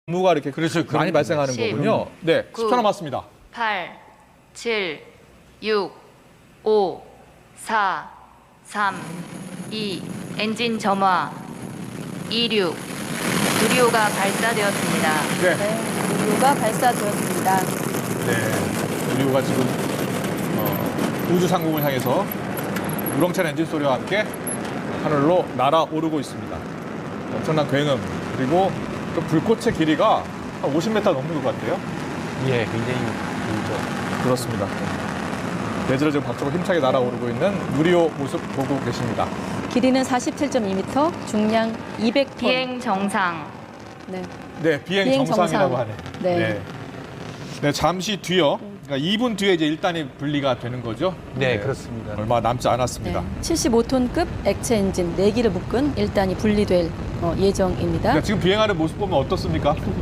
무가 이렇게 그렇죠. 많이 발생하는 10, 거군요. 네, 10초 남았습니다. 8, 7, 6, 5, 4, 3, 2, 엔진 점화, 26, 누리호가 발사되었습니다. 네, 네, 누리호가 발사되었습니다. 네, 누리호가 지금 우주 상공을 향해서 우렁찬 엔진 소리와 함께 하늘로 날아오르고 있습니다. 엄청난 굉음, 그리고 그 불꽃의 길이가 한 50m 넘는 것 같아요. 예, 굉장히 길죠. 그렇습니다. 대지를 지금 박차고 힘차게 날아오르고 있는 누리호 모습 보고 계십니다. 길이는 47.2m, 중량 200톤. 비행 정상. 네. 네, 비행 비행 정상이라고 정상. 하네. 네. 네, 잠시 뒤요. 그러니까 2분 뒤에 이제 1단이 분리가 되는 거죠. 네, 그렇습니다. 얼마 남지 않았습니다. 네. 75톤급 액체 엔진 4기를 묶은 1단이 분리될 예정입니다. 그러니까 지금 비행하는 모습 보면 어떻습니까?